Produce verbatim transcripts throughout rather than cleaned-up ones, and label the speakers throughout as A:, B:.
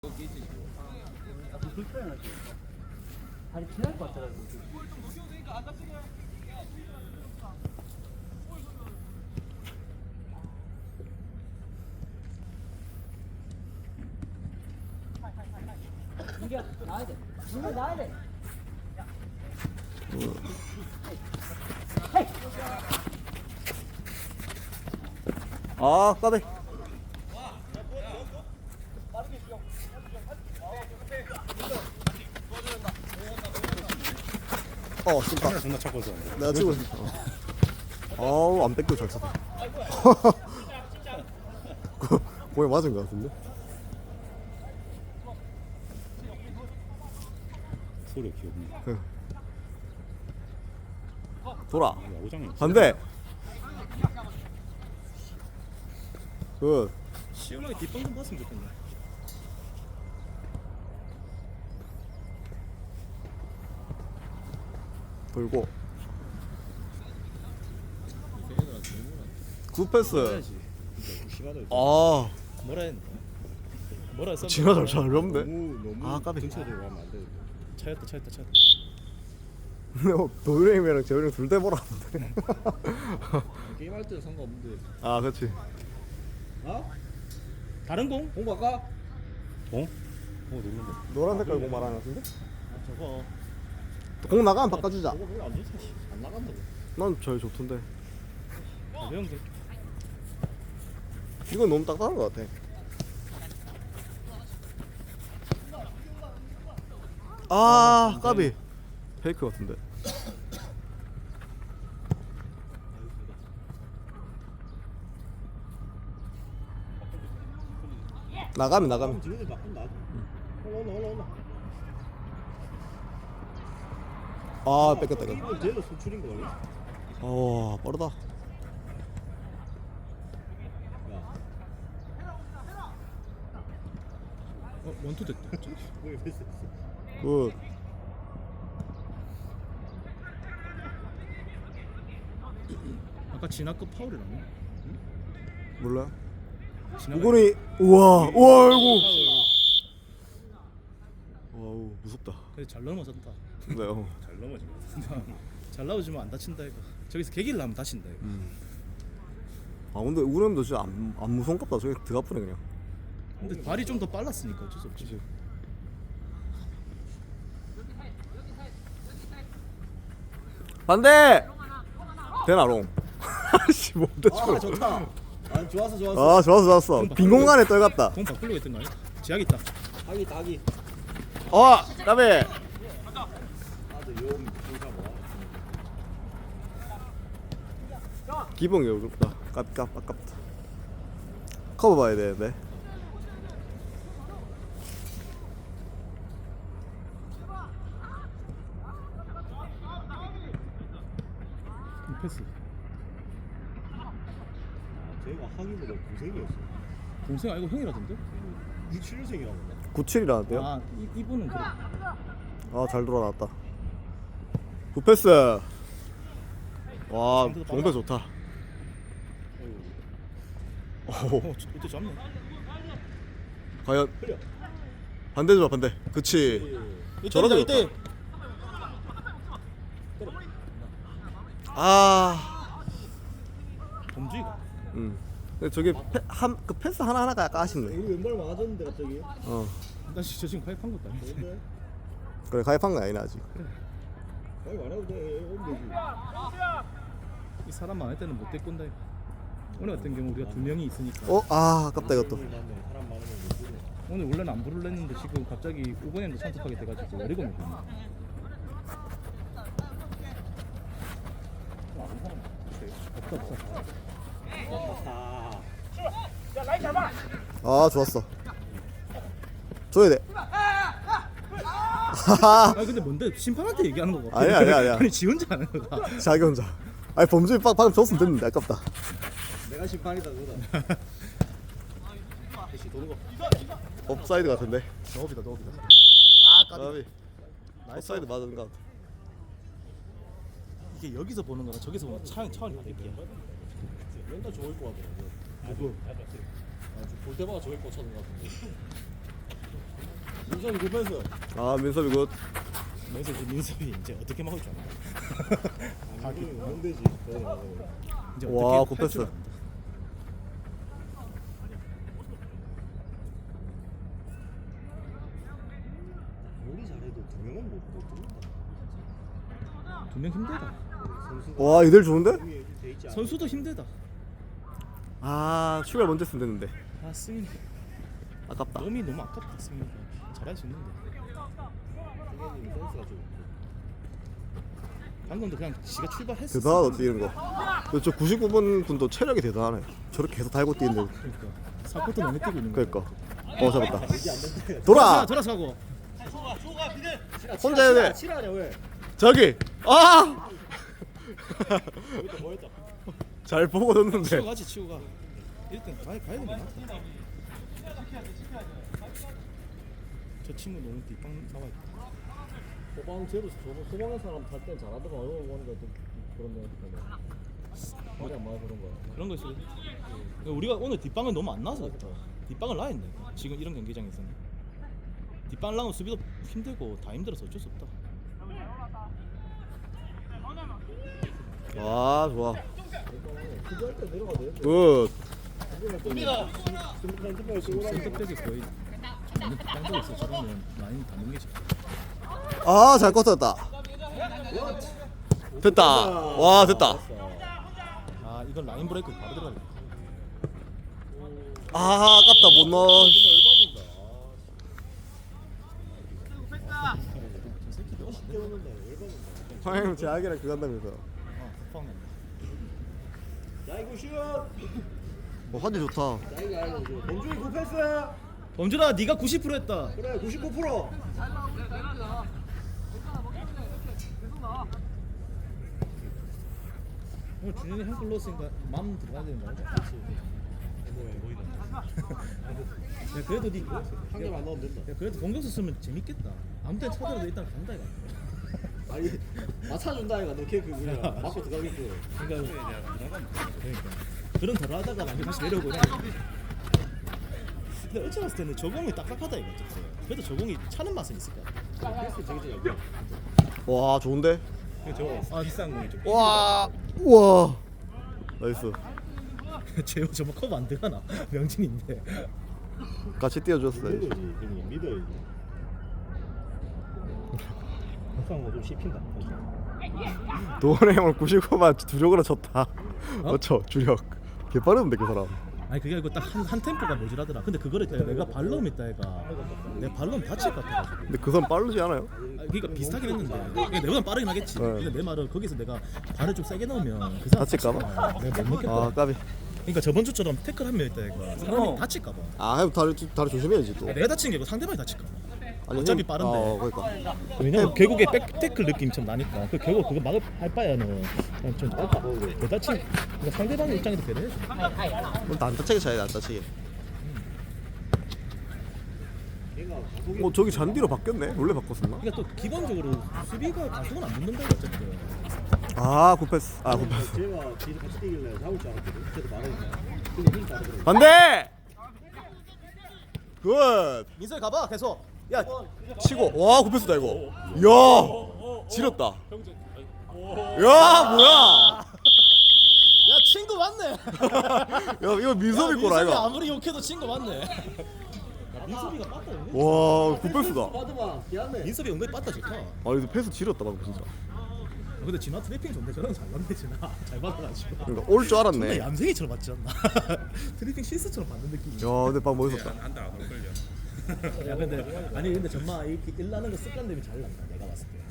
A: 불편하지. 다리 지날 것 같더라고. 이게 나야 돼. 이거 나야 돼.
B: 아, 까비. 어, 진짜.
C: 존나 착해서.
B: 내가 찍고 있어. 아우, 안 뺏겨 잘 쳤다. 공에 맞은 것 같은데?
C: 소리 귀엽네.
B: 돌아.
C: 야구장이
B: 반대. 굿.
C: 시원하게 뒷방 좀 봤으면 좋겠네.
B: 돌고. 굿 패스.
C: 심하다.
B: 아,
C: 뭐라 했나? 뭐라 했어?
B: 진짜 잘 잘렸네.
C: 너무 너무
B: 아, 까비.
C: 근처에 들어가면 안 돼. 차였다 차였다 차였다.
B: 근데 뭐 도윤이랑 재훈이 둘 다 보라는데.
C: 게임할 때는 상관없는데.
B: 아, 그렇지.
C: 어? 다른 공? 공 바꿔? 공? 어 놀란다.
B: 노란 색깔 공 말하는 것 같은데?
C: 아 저거.
B: 공 나가면 바꿔주자.
C: 저거 별로 안 좋지. 안 나간다고.
B: 난 제일 좋던데.
C: 가벼운데.
B: 이건 너무 딱딱한 것 같아. 아, 까비. 페이크 같은데. 나가면 나가면.
C: 지금 바꾼다. 올라 올라 올라.
B: 아, 뺏겼다 이거.
C: 이건 제대로 수출인 거 아니야?
B: 어, 빠르다.
C: 야. 어 원투 됐다. 왜 패스?
B: 굿.
C: 아까 진화급 파울이라며?
B: 몰라.
C: 진화가
B: 이거는 우와, 우와, 아이고. 와우, 무섭다.
C: 그래 잘 넘어졌다.
B: 네, 어.
C: 잘 넘어지. 잘 나오지만 안 다친다 이거. 저기서 개기를 하면 다친다 이거.
B: 음. 아, 근데 우렘도 진짜 안, 안 무섭겠다. 저기 드가프네 그냥.
C: 근데 발이 좀 더 빨랐으니까 어쩔 수 없지.
B: 그치. 반대. 대나롱. 아씨, 뭔데
A: 아 좋다. 아 좋았어 좋았어.
B: 아, 좋았어, 좋았어. 빈 공간에 떨갔다.
C: 공 바꾸려고 했던 거 아니야? 지하기 있다.
A: 아기 아기.
B: 어, 까비.
A: 아저 용 공사 뭐.
B: 기봉이 어렵다. 깝깝 아깝다. 커버 봐야 되는데.
C: 패스.
D: 제가 하기보다 고생이었어.
C: 동생 아니고 형이라던데?
D: 육십칠 년생이라고.
B: 구십칠이라는데요?
C: 아 이, 이분은 그래.
B: 아, 잘 돌아놨다. 굿패스. 와, 정배 좋다. 오,
C: 어 저- 이때 잡네.
B: 과연 반대 줘, 반대. 그치. 저러다
C: 이때 이때.
B: 아,
C: 범주이가.
B: 음. 근데 저게 패, 한, 그 패스 하나 하나가 약간 아쉽네.
D: 이거 왼발 맞았는데 갑자기.
B: 어,
C: 나 진짜 지금 가입한 것도 아닌데.
D: 근데
B: 그래 가입한 거 아니나 아직.
D: 아니 안 해도 돼. 오면 되지.
C: 이 사람 많을 때는 못 데꼰다 이거. 오늘 같은 경우 우리가 두 명이 있으니까.
B: 어, 아, 아깝다 이것도.
D: 맞네. 사람 많으면 못 보네.
C: 오늘 원래는 안 부르려 했는데 지금 갑자기 오건현도 참석하게 돼가지고 어리건이 됐네. 없다 없다.
D: 아,
B: 아, 좋았어. 줘야 돼.
C: 아 근데 뭔데 심판한테 얘기하는 거고?
B: 아니야, 아니야, 아니야.
C: 아니 지 혼자 하는 거다.
B: 자기 혼자. 아니 범주이 빡 방금 줬으면 됐는데 아깝다.
D: 내가 심판이다 그거다.
C: 다시 도는 거.
B: 업사이드 같은데.
C: 너비다 너비다.
B: 아, 까비. 업사이드 맞은 것 같아.
C: 이게 여기서 보는 거랑 저기서 보는 차원 차원이 다르게.
D: 맨날 저걸 거 같더라고. 누구? 아, 볼 때마다 저걸 꽂혀는 것 같은데. 민섭이 급했어.
B: 아 민섭이 굿.
C: 그래서 이제 민섭이 이제 어떻게 막을 줄 알아.
D: 아, 안 되지.
C: 이제
B: 와,
C: 어떻게 할줄
B: 곱했어.
C: 안다.
D: 우리 잘해도 두 명은 못 뚫는다.
C: 두명 힘들다.
D: 선수가
B: 와 이들 좋은데?
D: 위에 돼 있지 않아?
C: 선수도 힘들다.
B: 아 출발 먼저 했으면 됐는데
C: 아 승인.
B: 아깝다.
C: 몸이 너무 아깝다 승인. 잘할 수 있는데.
D: 선생님 센스가 좀.
C: 방금도 그냥 지가 출발했어.
B: 대단하다 뛰는 거. 근데 저 구십구 번 분도 체력이 대단하네. 저렇게 계속 달고 뛰는데.
C: 그러니까 사코트 너무 뛰고 있는 거야.
B: 그러니까. 어 잡았다.
D: 이게 안 된다.
B: 돌아.
C: 돌아서고.
B: 혼자 해야 돼.
D: 치라냐 왜?
B: 저기. 아.
D: 뭐했다 뭐했다.
B: 잘 보고 뒀는데.
C: 치고 가지 치고 가. 일단 가야 가야 되는 게 낫다. 저 친구 너무 뒷방 나와있다.
D: 소방 제로 저번 소방의 사람 탈 땐 잘하다가 어려워 보니까 좀 그런 거 같은데. 말이 안 맞아 그런 거야.
C: 그런 거 있어. 그러니까 우리가 오늘 뒷방을 너무 안 나서 그렇다. 뒷방을 놔야 했네. 지금 이런 경기장에서는 뒷방을 나면 수비도 힘들고 다 힘들어서 어쩔 수 없다.
B: 와 좋아.
D: 투자할 때 내려가 돼.
B: 굿.
C: 선택되게 거의 완전 뒷방도 있어. 저러면 라인 다 넘기지.
B: 아 잘 껐었다. 됐다. 와 됐다.
C: 아 이건 라인 브레이크 바로 들어가야
B: 아 아깝다 못 넣어.
C: 저 새끼 너무 안 돼.
B: 황영 제약이랑 그거 한다면서.
C: 아 급하네.
D: 야 이거 슛.
B: 어 환지 좋다.
D: 야 이거 아이고 범준이 굿패스.
C: 범준아 네가 구십 퍼센트 했다.
D: 그래 구십구 퍼센트.
C: 오늘 준현이 한골 넣었으니까 마음 들어가야 되는 거야.
D: 뭐야 뭐이다.
C: 야 그래도 니
D: 한 개만 넣으면 된다.
C: 야 그래도 공격수 쓰면 재밌겠다. 아무 때나 차더라도 일단 간다 이거.
D: 아니 맞춰준다 이가 너 걔 그 그냥 맞고 들어가겠고.
C: 그러니까 그러니까 그런 덜 하다가 나중에 다시 내려오고 그냥. 근데 어찌 봤을 때는 저공이 딱딱하다 이거 어쨌든. 그래도 저공이 차는 맛은 있을 것 같아.
D: 패스 저기 저기.
B: 와 좋은데?
C: 저 아, 비싼 공이 좀.
B: 와. 우와. 나이스.
C: 제호 저거 커버 안 들어가나? 명진인데.
B: 같이 뛰어줬어.
D: 믿어야지. 그냥 믿어야지. 항상 뭐좀 씹힌다.
B: 도원의 형을 구십구만 주력으로 쳤다. 어쵸 주력. 개 빠르던데 그 사람.
C: 아니 그게 아니고 딱 한 한 템포가 모자라더라. 근데 그거를 내가 발로 했다 애가. 내 발로 다칠 것 같아가지고.
B: 근데 그 사람 빠르지 않아요?
C: 아, 그러니까 비슷하긴 했는데 그러니까 내보다 빠르긴 하겠지.
B: 네.
C: 근데 내 말은 거기서 내가 발을 좀 세게 넣으면 그 사람
B: 다칠까 봐?
C: 다칠까 봐. 내가 못 넣겠다.
B: 아 까비.
C: 그러니까 저번 주처럼 태클 하면 있다 애가 사람이 다칠까 봐.
B: 아 형 다리 다리 조심해야지 또.
C: 내가 다친 게 아니고 상대방이 다칠까 봐.
B: 아니,
C: 어차피
B: 형-
C: 빠른데.
B: 아, 그러니까.
C: 왜냐면 결국에 백 태클 느낌처럼 나니까 그 결국 그거 막을 할 바에는 그냥 좀 짧다. 그 다친 그러니까 상대방의 입장에서 배려해줘.
B: 그럼 안 다치게 차야 안 다치게.
D: 걔가 가속이
B: 어 저기 잔디로 바뀌었네. 원래 바꿨었나?
C: 그러니까 또 기본적으로 수비가 가속은 안 붙는다 어쨌든.
B: 아 굿패스. 아 굿패스.
D: 제가 뒤에 같이 뛰길래 잡을 줄 알았거든. 그래도 말하니까. 근데 힘 따르더라고.
B: 반대. 굿.
C: 민석이 가봐 계속. 야
B: 치고. 와 굿패스다 이거. 이야. 지렸다. 야 뭐야?
C: 야 친구 맞네.
B: 야 이거 민섭이
C: 야,
B: 거라
C: 민섭이
B: 이거.
C: 아무리 욕해도 친구 맞네. 야, 민섭이가 빠따 은근히.
B: 와 굿패스다.
D: 받으마. 미안해.
C: 민섭이 은근히 빠따 좋다.
B: 아 이거 패스 지렸다 방금 진짜.
C: 어, 근데 진화 트래핑 좋은데 저런 잘 맞네 진화. 잘 받아가지고.
B: 그러니까 올 줄
C: 정말
B: 알았네. 야
C: 얌생이처럼 맞지 않나? 트래핑 실수처럼 받는 느낌이야.
B: 근데 방금 멋있었다.
C: 야 근데 아니 근데 정말 이렇게 일 나는 거 습관들이 잘 난다 내가 봤을 때.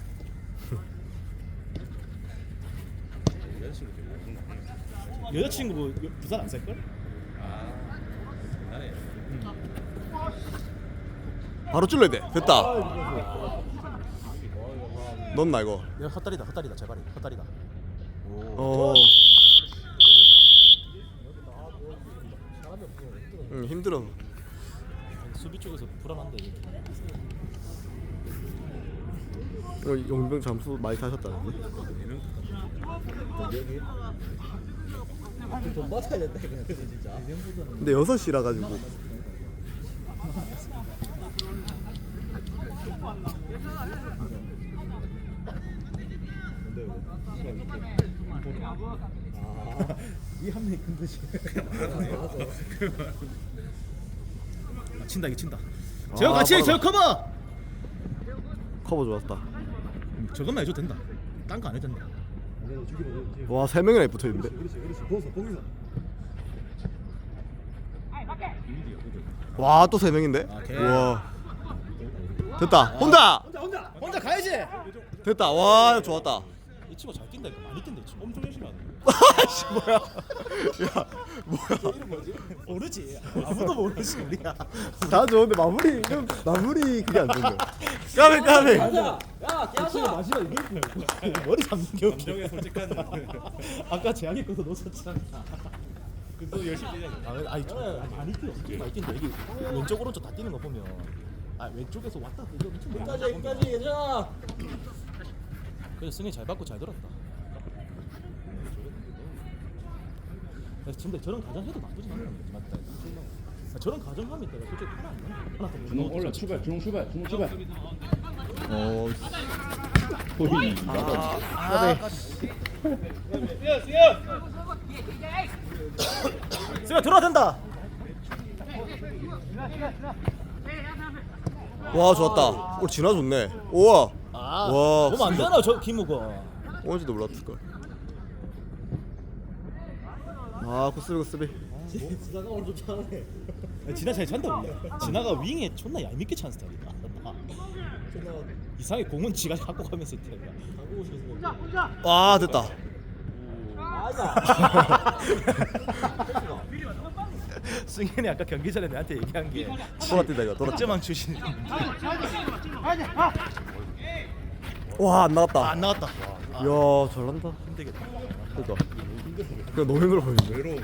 C: 여자친구 뭐 여- 부산 안 살걸?
B: 바로 찔러야 돼. 됐다. 넌나 이거.
C: 야 헛다리다 헛다리다 제발이 헛다리다.
B: 어. 응 힘들어.
C: 수비 쪽에서 불안한데 이게.
B: 이거 용병 잠수 많이 타셨다는데.
D: 돈 받아야 된다 이거 진짜.
B: 근데 여섯 시라 가지고.
C: 이한 명이 큰 거지. 아, 친다 이게 친다. 제가
B: 아,
C: 같이 해,
B: 빠르다.
C: 저 커버.
B: 커버 좋았다.
C: 음, 저것만 해줘도 된다. 딴 거 안 해도 된다.
B: 와 세 명이나 붙어 있는데.
A: 그렇지 그렇지 거기서 거기서
B: 와 또 세 명인데.
C: 아, 오케이.
B: 와 됐다. 혼자
A: 혼자 혼자
C: 혼자 가야지.
B: 됐다. 와 좋았다.
C: 이 친구 잘 뛴다 이거 많이 뛴다 이 친구. 엄청 열심히 하네.
B: 아씨 뭐야? 야 뭐야?
A: 이름 뭐지?
C: 모르지. 아무도 모르지 우리가.
B: 다 좋은데 마무리 좀 마무리 그게 안 좋네. 까비 까비.
A: 가자 야 깨asa
C: 마지막 이게 머리 잡는 게 웃겨. 감정에 솔직한. 아까 재앙이 거서 놓쳤잖아. 그래도 열심히 뛰냐. 아, 아니 저 아니, 많이 뛰어. 엄청 많이 뛰는데 이게 왼쪽 오른쪽 다 뛰는 거 보면 아 왼쪽에서 왔다 갔다 이거 엄청 많이
A: 여기까지
C: 뛰는 거
A: 여기까지 얘들아
C: 그래서 승희 잘 받고 잘 돌았다. 그래서 근데 저런 가정 해도 나쁘진 않는 거지 맞다. 아, 저런 가정하면 내가 솔직히 하나 안 나. 하나 더
D: 준호 올라 출발 준호 출발 준호 출발
B: 어.
D: 호이
C: 승희 들어와 된다.
B: 와 좋았다. 오늘 진화 좋네. 우와.
C: 아,
B: 와,
C: 보면 안
B: 진짜.
C: 되나 저 김우거.
B: 오는지도 몰랐을 걸. 아 굿스비 굿스비.
A: 지나가 오늘 좀 잘하네
C: 진아 잘 찬다 원래. 진아가 윙에 존나 얄밉게 찬 스타일이다.
A: 존나
C: 이상하게 공은 지가 갖고 가면서 뛰어.
A: 가고 싶어서
B: 와 됐다.
A: 아자
C: 승현이 아까 경기 전에 내한테 얘기한 게
B: 돌아뛴다 이거 돌아.
C: 득점왕 출신.
B: 와안 나갔다.
C: 아, 안 나왔다.
B: 이야 잘난다.
C: 힘들겠다.
B: 그러니까. 그냥 너무 힘들어 보이는데.
A: 외로운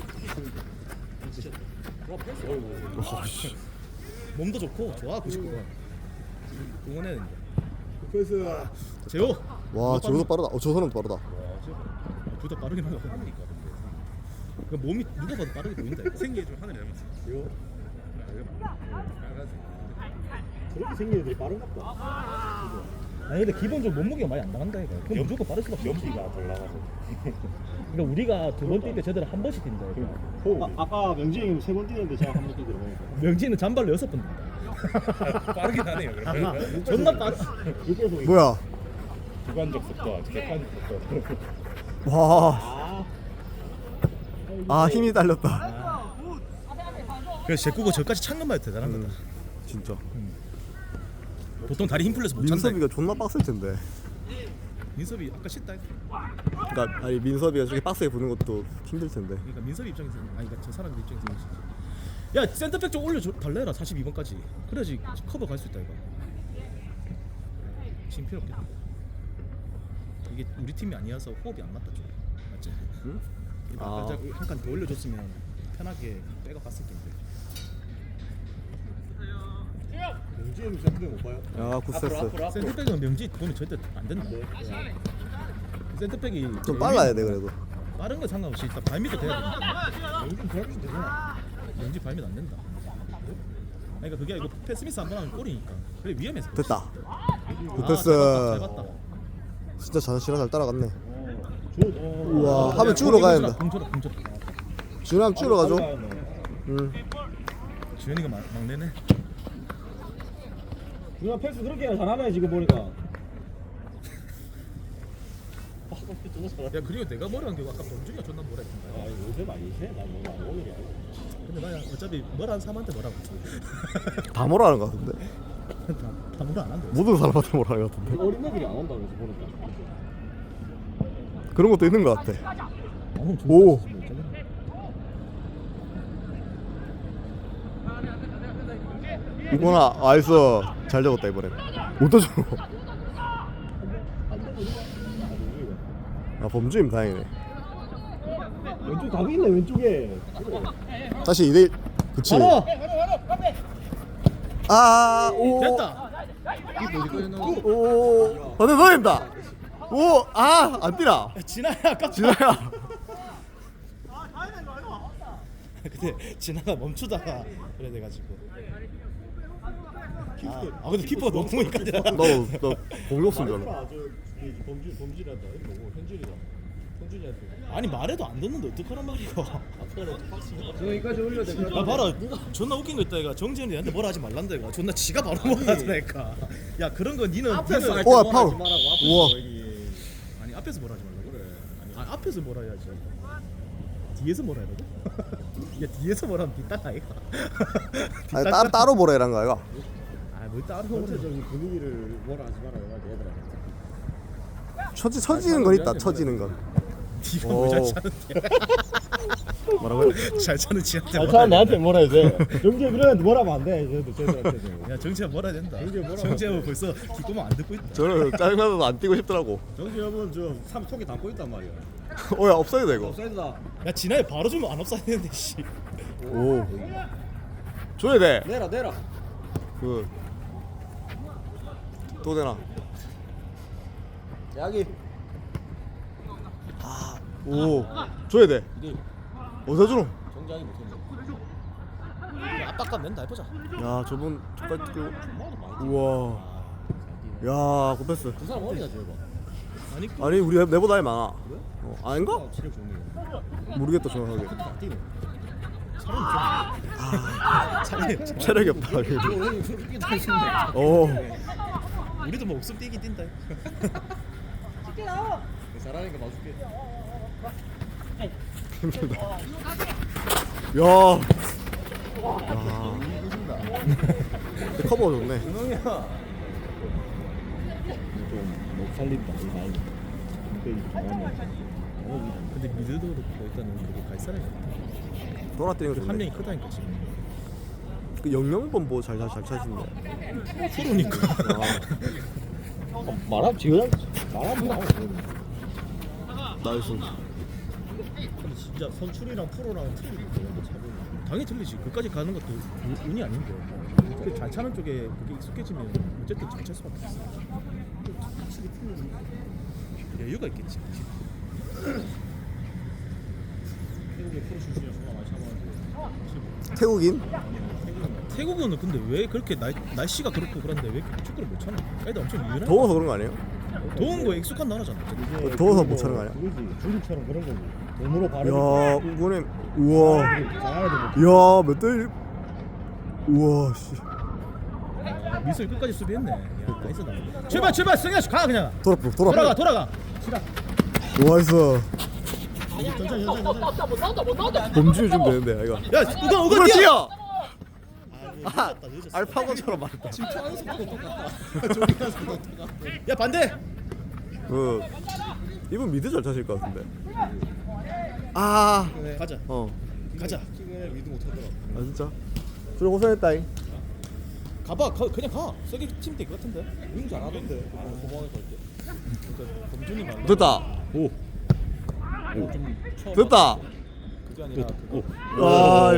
B: 와 씨.
C: 몸도 좋고 좋아 구십구 번. 응원해야 된다.
A: 패스
C: 재호.
B: 와 저거도 빠르다. 어 저 사람도 빠르다.
C: 둘 다 빠르긴 하다. 그 몸이 누가 봐도 빠르게 보인다. 이거.
E: 생기에 좀 하늘이 닮았어.
A: 이거
E: 빨간색.
A: 저렇게 생긴 애들이 빠른갑다
C: 아니 근데 기본적으로 몸무게가 많이 안 나간다 이거. 그럼 무조건 빠를 수밖에 없지.
A: 연비가 덜 나가서
C: 그러니까 우리가 두 번 뛸 때 저들은 한 번씩 뛴다. 이거.
A: 아, 아까 명진이 형님 세번 뛰는데 제가 한 번 뛰더라고요
C: 명진은 잔발로 여섯 번 뛴다.
E: 빠르긴 하네요. 그러면.
C: 존나 빠르.
A: 육에서
B: 뭐야?
E: 주관적 속도, 객관적 속도.
B: 와. 아 힘이 딸렸다.
C: 그래서 제꾸고 저까지 찬 것만 해도 대단한
B: 음,
C: 거다.
B: 진짜.
C: 보통 다리 힘 풀려서 못 찬다.
B: 민섭이가 존나 빡셀 텐데.
C: 민섭이 아까 씻다.
B: 그러니까 아니 민섭이가 저렇게 빡세게 부는 것도 힘들 텐데.
C: 그러니까 민섭이 입장에서 아니 그러니까 저 사람 입장에서 야 센터백 좀 올려 달래라 사십이 번까지. 그래야지 커버 갈 수 있다 이거. 지금 필요 없겠다. 이게 우리 팀이 아니어서 호흡이 안 맞다 좀. 맞지?
B: 응?
C: 아.
B: 아.
C: 한 칸 더 올려줬으면 편하게 빼가 갔을 텐데.
A: 명진이 형님 세번못 봐요?
B: 야 굿세스.
C: 센터백은 명지 보면 절대 안 된다.
A: 네.
C: 센터백이
B: 좀 빨라야 돼 그래도.
C: 빠른 건 상관없이 일단 발밑도 돼야 된다.
A: 명진 대학교 되잖아
C: 명지 발밑 안 된다. 그러니까 그게 이거 패스미스 한 번 하면 골이니까. 그래 위험해서.
B: 됐다.
C: 아,
B: 굿패스.
C: 잘 봤다, 잘 봤다.
B: 진짜 잘 진화 잘 따라갔네.
A: 저
B: 우와 하면 쭉으로 가야 된다.
C: 공줘라 공줘라.
B: 준하면 쭉으로 가죠. 응.
C: 주현이가 막, 막내네.
A: 누나 패스 그렇게 잘하네 지금 보니까
C: 야 그리고 내가 뭐라 한게 아까 범준이가 존나 뭐라
A: 아
C: 했던가.
A: 요새 많이 세? 난 오늘 오늘이 아니야
C: 근데 나 어차피 뭐라 한 사람한테 뭐라고
B: 다 뭐라는 것 같은데.
C: 다, 다 뭐라 안 한대.
B: 모든 사람한테 뭐라는 것 같은데.
A: 어린 애들이 안 온다 그래서 보니까
B: 그런 것도 있는 것 같아.
C: 어,
B: 오. 이거나 아이스 잘 잡았다 이번에. 못 떠줘. 아 범주임 다행이네.
A: 왼쪽 답이 있네 왼쪽에
B: 다시 이 대 일. 그치.
C: 바로
B: 아, 오.
C: 됐다.
B: 오. 반대 넣어낸다. 오, 아, 안 뛰나.
C: 진아야 아까
B: 진아야.
C: 근데 진아가 멈추다가 그래 돼가지고 아, 아 근데 키퍼가 너무 보니까
B: 나너 공격 쓴 줄 알아.
D: 말해봐. 저 그, 범준 범준이란다. 이거 뭐 현준이다. 현준이한테.
C: 아니 말해도 안 듣는데 어떡하란 말이야.
D: 아까는 박스.
A: 여기까지 올려야 돼.
C: 야 봐라 존나 웃긴 거 있다 얘가 정재현이 나한테 뭐라 하지 말란다 얘가 존나 지가 바로 뭐라더니까 야 그런 거 니는
D: 앞에서 할
C: 니는
B: 우와,
D: 때
B: 파울.
D: 말하지 말라고. 앞에서
B: 우와.
D: 여기.
C: 아니 앞에서 뭐라 하지 말라고
D: 그래.
C: 아니 앞에서 뭐라 해야지 뒤에서 뭐라 해야 돼? 야 뒤에서 뭐라 하면 뒷땅 아이가
B: 아니 따, 따로 뭐라 이란 거 아이가?
C: 아뭘 따로 뭐라 해
D: 전체적인 분위기를 뭐라 하지 말아요. 얘들아.
B: 처지 처지는 건 있다. 처지는 건.
C: 니가
B: 오.
C: 뭘잘 차는데
B: 뭐라고요?
C: 잘 차는 지한테
A: 잘
C: 뭐라
A: 차
C: 해야
A: 내한테 뭐라 해야 돼. 정재 그래 뭐라면 안 돼. 쟤도 쟤들한테.
C: 돼? 야 정재현 뭐라 해야 된다
A: 정재현 뭐라
C: 정재현 벌써 귓구멍 안 듣고 있다
B: 저는 짜증나서 안 뛰고 싶더라고.
A: 정재 여러분 저삼 속에 담고 있단 말이야.
B: 어야 업사이드 이거.
A: 업사이드다.
C: 야 지난해 바로 주면 안 없어야 되는데 씨
B: 오. 줘야 돼.
A: 내라 내라.
B: 그. 또 되나?
A: 여기.
B: 오. 줘야 돼.
A: 이게
B: 어디서 주노?
A: 정장이 못했네.
C: 압박감 낸다 해보자
B: 야 저분 저까지 뛰고. 우와. 야 고패스.
A: 그 사람 어디가 제일 봐?
C: 아니 그
B: 아니 우리 내보다 나이 많아. 어, 아닌가?
A: 체력 좋네.
B: 모르겠다 정확하게.
A: 안 뛰네.
C: 사람이 좀
B: 체력이 없다.
A: 형이 그렇게 다 있었네.
B: 오.
C: 우리도 뭐 옥숨 뛰기 뛴다
A: 잘하니까 봐줄게.
B: 힘들다. 야. 야. 커버 좋네.
A: 형이야. 좀못 살린다 이 나이. 근데 잘하네.
C: 근데 미드도 그렇고 일단은 그게 갈 사람이 없다
B: 돌아 뛰는 거
C: 한
B: 좋네.
C: 명이 크다니까 지금
B: 그 영영번 뭐잘잘 차신데.
C: 프로니까
A: 말하면 지금 말하면 나와.
B: 나이스.
C: 근데 진짜 선출이랑 프로랑 틀리고 당연히 틀리지 그까지 가는 것도 운- 운이 아닌데 그 잘 차는 쪽에 그게 익숙해지면 어쨌든 잘 찰 수밖에 없어 확실히 틀리는 여유가 있겠지
A: 태국의 프로 출신이라 정말 많이 참아가지고.
B: 태국인?
C: 태국은 근데 왜 그렇게 날, 날씨가 그렇고 그런데 왜 이렇게 축구를 못 차나? 애들 엄청 유연해
B: 더워서 그런 거 아니에요?
C: 더운 거에 익숙한 나라잖아 어쨌든.
B: 더워서 못 차는 거 아니야?
A: 그거지. 중국처럼 그런 거지. 돈으로
B: 야,
A: 바르는.
B: 우거님. 우와.
A: 잘하는 거.
B: 야, 몇 대? 우와, 씨.
C: 미술 끝까지 수비했네 야 나이스다 출발 출발 승현 가 그냥
B: 돌아, 돌아.
C: 돌아가 돌아가
B: 나이스.
C: 천천히 천천히
B: 범주 좀 되는데, 이거.
C: 야 우건 우건
B: 우거
C: 뛰어
B: 뛰어.
C: 아,
B: 아,
C: 늦었다, 늦었어.
B: 알파고처럼 말했다.
C: 지금 초하는 속도 똑같다 저기 가는 속도 똑같아 야 반대
B: 그 이분 미드 잘 차실 것 같은데. 아,
C: 가자
B: 어.
C: 가자
A: 킥을 미드 못하더라.
B: 아 진짜. 둘이 고생했다잉.
C: 가봐 가, 그냥 가 세게 치면 될 것 같은데
A: 윙 잘하던데. 고마워 갈 때.
C: 그러니까 범준이 말
B: 됐다.
A: 오.
C: 좀 처음
B: 됐다.
C: 그게 아니라 그거
B: 와,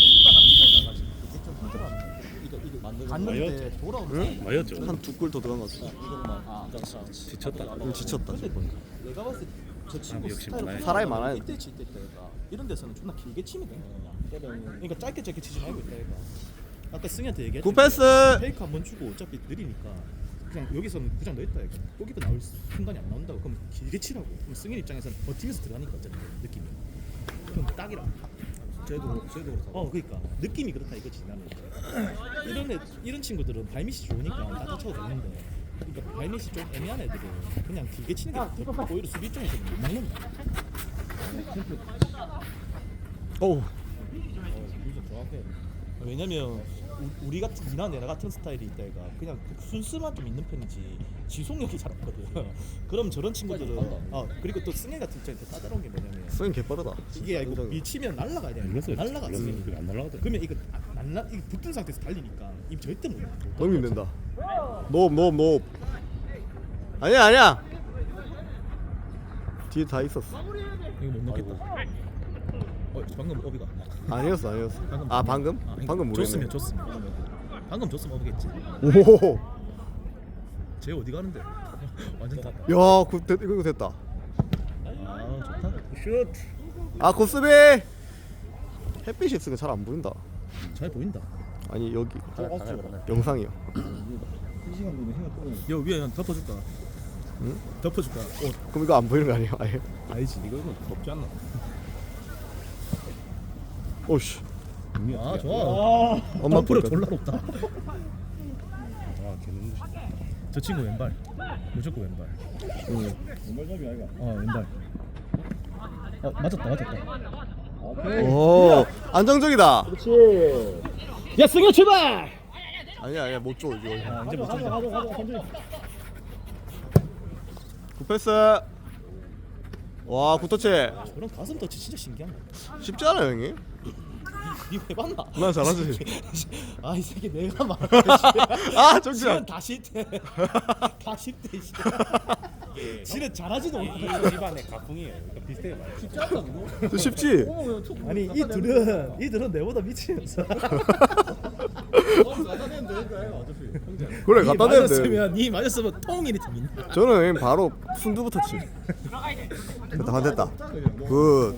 C: 이거 이거
A: 만드는
C: 갔는데 돌아오면
E: 맞았죠.
B: 한 두 골 더 들어간 것 같아.
C: 이것만 아
E: 지쳤다.
B: 좀 지쳤다.
C: 근데 내가 봤을 때 저 친구
E: 역시
C: 스타일은
E: 많아요.
B: 사람이 많아요.
C: 이때 칠 때가 이런 데서는 존나 길게 치면 돼 그냥 그러니까 짧게 짧게 치지 말고 있다 얘가 아까 승희한테 얘기했지
B: 굿 패스.
C: 페이크 한 번 주고 어차피 느리니까 그냥 여기서는 그냥 넣었다 얘가 골키퍼 나올 순간이 안 나온다고 그럼 길게 치라고 그럼 승희 입장에서는 버티면서 들어가니까 어차피 느낌이 그럼 딱이라
A: 쟤도 쟤도 그렇다.
C: 어 그러니까 느낌이 그렇다 이거지 나는 이런 애 이런 친구들은 발밑이 좋으니까 다 쳐도 되는데 그러니까 발밑이 좀 애매한 애들은 그냥 길게 치는 게 더, 오히려 수비 쪽에서는 못 막는다
B: 어우.
A: 미션 정확해.
C: 왜냐면 우, 우리 같은 니나 내나 같은 스타일이 있다 얘가 그냥 순수만 좀 있는 편이지 지속력이 잘 없거든 그럼 저런 친구들은 어 그리고 또 승혜 같은 입장이 더 까다로운 게 뭐냐면
B: 스윙 개빠르다.
C: 이게 이거 밀치면 날라가야 돼
E: 이랬어요.
C: 날라가
E: 이랬어요. 안 날라가더라.
C: 그러면 이거 안 날라 이거 붙은 상태에서 달리니까 이 절대 못
B: 넘기면 된다. 노업 노업 노업. 아니야 아니야. 뒤에 다 있었어.
C: 이거 못 넣겠다. 어 방금 어비가.
B: 아니었어 아니었어.
C: 방금
B: 아 방금?
C: 아,
B: 방금 모르겠네.
C: 줬으면 줬으면. 방금 줬으면 어비겠지.
B: 오.
C: 쟤 어디 가는데? 완전 다.
B: 야, 그 됐, 이거 됐다.
C: 아 좋다.
E: 슛.
B: 아, 고스비. 햇빛이 있으니까 잘 안 보인다.
C: 잘 보인다.
B: 아니 여기
D: 저 왔죠.
B: 영상이요.
D: 이 시간 되면 해가 뜨는.
C: 여 위에 형 덮어줄까?
B: 응?
C: 덮어줄까? 옷
B: 그럼 이거 안 보이는 거 아니에요? 아예?
C: 아니지 이거는 덥지 않나?
B: 오씨.
C: 아 좋아.
B: 엄마
C: 덤프를
B: 보니까.
C: 졸라 높다.
E: 아 개는
C: 저 친구 왼발. 무조건 왼발.
B: 응.
D: 왼발잡이 아이가.
C: 어 왼발. 어 맞았다 맞았다.
B: 오 안정적이다.
D: 그렇지.
C: 야 승현 출발.
B: 아니야 아니야 못 줘 이거.
C: 아 이제 못
D: 가져
C: 쏜다.
D: 가져 가져 가져.
B: 굿패스. 와 굿터치.
C: 저런 가슴 터치 진짜 신기한 거.
B: 쉽지 않아요 형님?
C: 이거 해봤나?
B: 나 잘하지.
C: 아 이 새끼 내가 말해.
B: 아 정지야.
C: 지는 다 싫대. 다 싫대. 씨. 지는 잘하지도 못해.
E: 이 집안의 가풍이에요. 그러니까 비슷해요. 많이.
D: 쉽지 않다 그거.
B: 쉽지.
C: 아니 이 둘은 이 둘은 내보다 미치겠어.
D: 갖다 대면 되니까 어차피 형제.
B: 그래
C: 니
B: 갖다 대는데.
C: 맞았으면 니 맞았으면 통일이 됩니다.
B: 저는 형님 바로 순두부터 치. 됐다 안 됐다. 굿.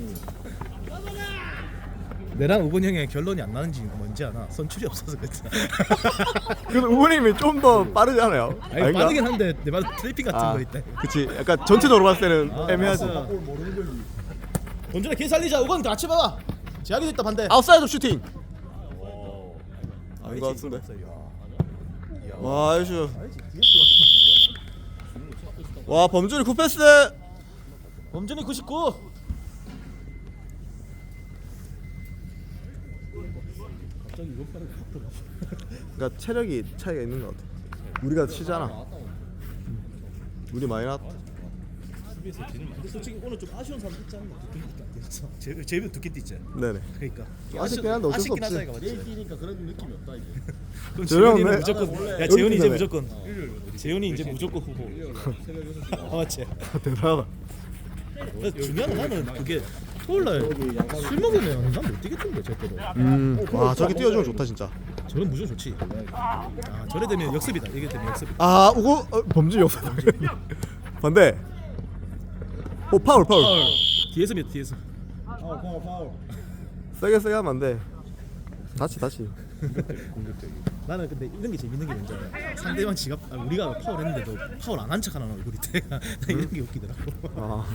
C: 내랑 우근 형의 결론이 안 나는 이유가 뭔지 아나? 선출이 없어서 그랬지.
B: 그래도 우원님이 좀 더 빠르지 않아요?
C: 아니
B: 아닌가?
C: 빠르긴 한데 내 말 트래핑 같은
B: 아,
C: 거 있다.
B: 그치. 약간 전체적으로 봤을 때는
C: 아,
B: 애매하지.
C: 맞아.
D: 뭘 모르는 걸리.
C: 본전에 길 살리자. 우건 같이 봐봐. 제약이 있다 반대.
B: 아웃사이드 슈팅.
E: 오.
B: 아닌 것 같은데.
C: 야.
B: 와 아이슈.
C: 알지? 디에스
B: 와 범준이 굿패스.
C: 범준이 구십구.
D: 갑자기 이거 팔을 확 들어.
B: 그러니까 체력이 차이가 있는 것 같아. 우리가 치잖아. 우리 많이 나왔다.
C: 수비에서 뒤는 근데 솔직히 오늘 좀 아쉬운 사람 있지 않나? 두께밖에 안 됐어. 제 제비 두께 뛰지.
B: 네네.
C: 그러니까
B: 좀 아쉽긴 한데 어쩔 수
C: 아쉽긴
B: 없지.
C: 하다 이거
D: 내일
C: 맞지?
D: 뛰니까 그런 느낌이 없다 이게.
C: 그럼
B: 저렴해.
C: 재훈이는 무조건
D: 원래
C: 야 재훈이 이제
B: 여기
C: 무조건 재훈이 이제 무조건 후보.
D: 새벽 여섯 시.
C: 아 맞지?
B: 대단하다.
C: 근데 중요한 건 나는 그게 토요일날 술 먹으면 난 못 뛰겠던데 절대로.
B: 음. 와 저렇게 뛰어주면 좋다 진짜.
C: 저는 무조건 좋지. 아 저래 되면 역습이다. 이게 되면 역습.
B: 아 우고 어, 범준이 없어. 반대. 오 파울 파울.
C: 뒤에서 몇 뒤에서.
D: 파울 파울 파울.
B: 세게 세게 하면 안 돼. 다치 다치.
C: 나는 근데 이런 게 재밌는 게 뭔지 알아? 상대방 지갑 아, 우리가 파울했는데도 파울 안 한 척하는 얼굴이 돼. 나 이런 게 웃기더라고.
B: 아.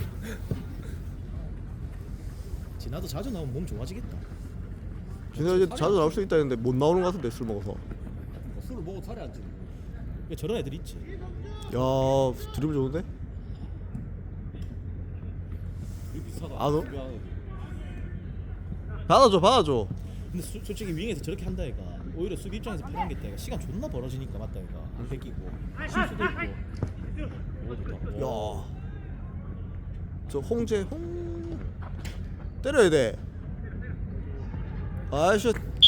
C: 지나도 자주 나오면 몸 좋아지겠다.
B: 진짜 이제 자주 나올 수 있다 했는데 못 나오는 것 같은데 술 먹어서.
D: 술을 먹어 살이 안 찌는.
C: 그러니까 저런 애들 있지.
B: 야 드리블 좋은데?
D: 비슷하다.
B: 아, 너? 받아줘 받아줘.
C: 근데 수, 솔직히 윙에서 저렇게 한다 얘가 오히려 수비 입장에서 편한 게 있다 얘가 시간 존나 벌어지니까 맞다 얘가 안 뺏기고 실수도 있고. 오 좋다.
B: 야. 저 홍재 홍 때려야 돼. 아이씨